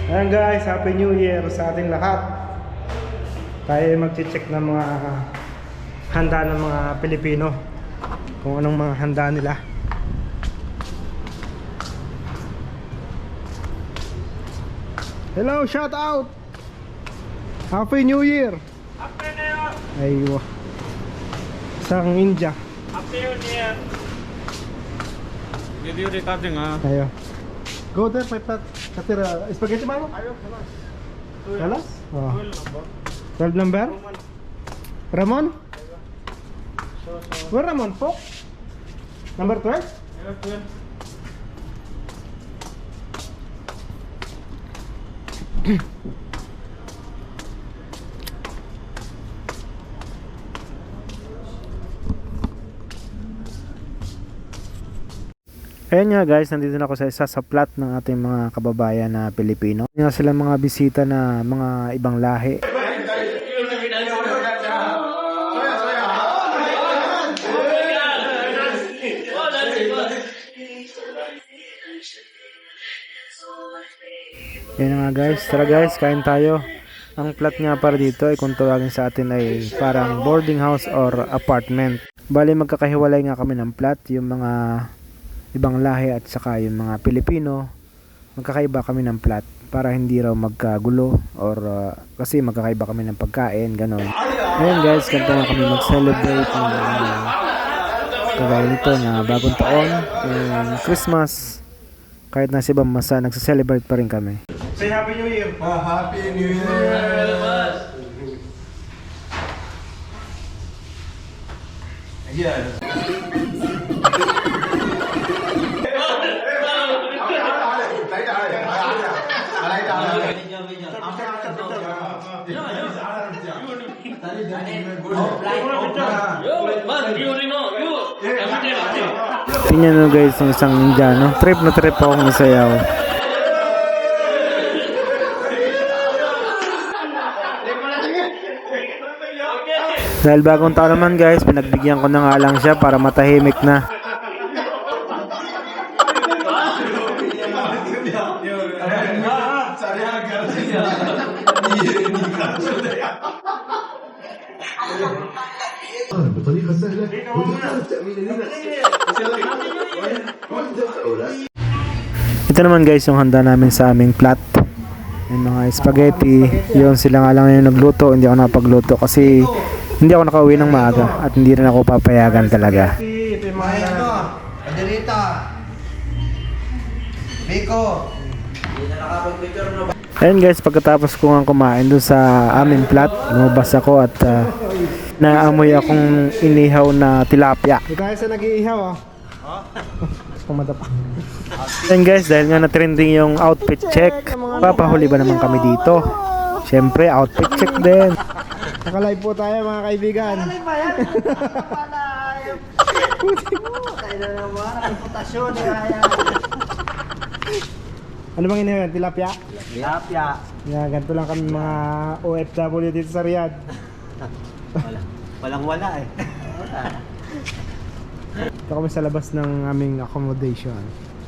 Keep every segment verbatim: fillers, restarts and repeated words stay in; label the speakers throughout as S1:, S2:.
S1: Ayan guys, Happy New Year sa ating lahat. Tayo ay mag-check ng mga handa ng mga Pilipino, kung anong mga handa nila. Hello, shout out! Happy New Year!
S2: Happy New Year!
S1: Aywa. Isang India.
S2: Happy New Year! Video recording ah.
S1: Ayo. Go there, my pet. Katira, spaghetti mano?
S2: Ayo, kalas.
S1: Kalas? Oh.
S2: twelve number.
S1: twelve number? Ramon?
S2: So, so.
S1: Where Ramon? Pok? Number twelve?
S2: Ayo, twelve.
S1: Ayan nga guys, nandito na ako sa isa sa plot ng ating mga kababayan na Pilipino. Nga sila mga bisita na mga ibang lahi. Ayan nga guys, tara guys, kain tayo. Ang plot nga para dito ay kung tawagin sa atin ay parang boarding house or apartment. Bali magkakahiwalay nga kami ng plot, yung mga ibang lahi at saka yung mga Pilipino, magkakaiba kami ng plat para hindi raw magkagulo or uh, kasi magkakaiba kami ng pagkain, ganon. Ngayon guys, ganito nga kami mag-celebrate ng uh, kagaya nito na bagong taon and Christmas. Kahit nasa ibang masa, nagsa-celebrate pa rin kami. Say Happy New Year!
S3: Oh, Happy New Year! Ayan.
S1: Tingnan nyo guys yung isang Indiano. Trip na trip akong isayaw. Dahil bagong taon naman guys, pinagbigyan ko na nga lang siya para matahimik na.
S3: بطريقة سهلة وتعرف تأمين لنا.
S1: Ito naman guys yung handa namin sa aming plat. Yung mga spaghetti, yun sila nga lang yung nagluto, hindi ako nakapagluto kasi hindi ako nakauwi ng maaga at hindi rin ako papayagan talaga.
S4: Ito yung mga ito, Adelita, Biko.
S1: Ayun guys, pagkatapos ko nga kumain doon sa aming plat, lumabas ako at uh, naamoy akong inihaw na tilapia. Ito tayo sa nag-iihaw ah. Pumadapa. Ayun guys, dahil nga na-trending yung outfit check, papahuli ba naman kami dito? Siyempre, outfit check din. Nakalive po tayo mga kaibigan.
S4: Nakalive ba yan? Pala, tayo na naman, reputasyon.
S1: Ano bang inihaw yan? Tilapia?
S4: Tilapia.
S1: Yeah, ganito lang kami mga O F W dito sa Riyadh.
S4: Wala. Walang wala eh.
S1: Ito kami sa labas ng aming accommodation.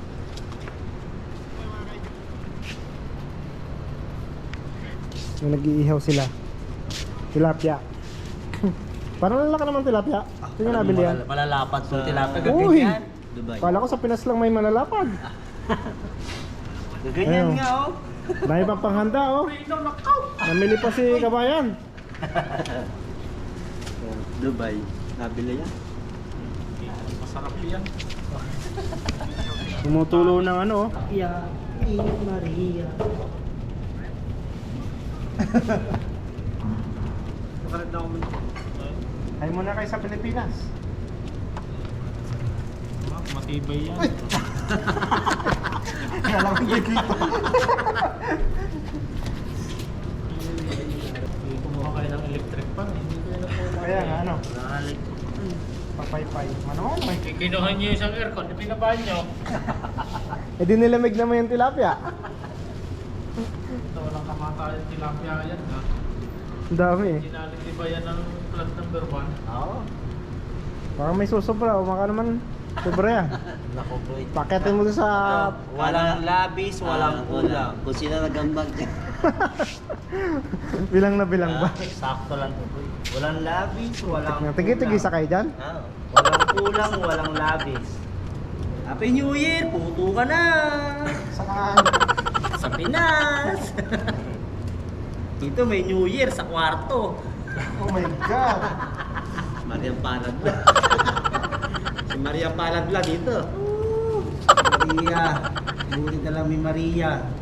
S1: Yung nag-iihaw sila. Tilapia. Parang lalaki naman tilapia. Ito yung nabili yan.
S4: Malalapat sa tilapia.
S1: Uy!
S4: Dubai.
S1: Kala ko sa Pinas lang may malalapad.
S4: Ganyan
S1: Ayun.
S4: nga oh.
S1: Dahil pang panghanda oh. Namili pa si kabayan.
S4: Dubai. Nabili yan.
S2: Masarap yan.
S1: Tumutulo ng ano oh.
S4: Yeah. Maria.
S2: Makalit na ako mo.
S1: Ay muna kayo sa Pilipinas.
S2: Matibay yan.
S1: Kala ko dito.
S2: Kumuha kayo ng electric pan. Hindi kayo na po.
S1: Kaya nga ano. Papaypay. Ano may.
S2: Kikinuhan nyo isang aircon. Pinabahan nyo.
S1: Eh di nilamig naman yung tilapia.
S2: Ito walang kamatayan tilapia yan ha.
S1: Ang dami eh.
S2: Ginalit ba yan ng plant number one?
S4: Oo.
S1: Parang may susobra. O maka naman Sobra yan.
S4: Nako bro.
S1: Paketin mo to sa...
S4: Walang labis, walang kulang. Kung sino nagambag ka.
S1: bilang na bilang ba?
S4: Sakto lang to bro. Walang labis, walang
S1: Tigi-tigi sa kayo dyan?
S4: Ah, walang kulang, walang labis. Happy New Year! Puto ka na!
S1: Saan?
S4: Sa Pinas! Dito may New Year sa kwarto.
S1: Oh my God!
S4: Maria Paladla. Si Maria Paladla dito. Maria. Buti na lang may Maria.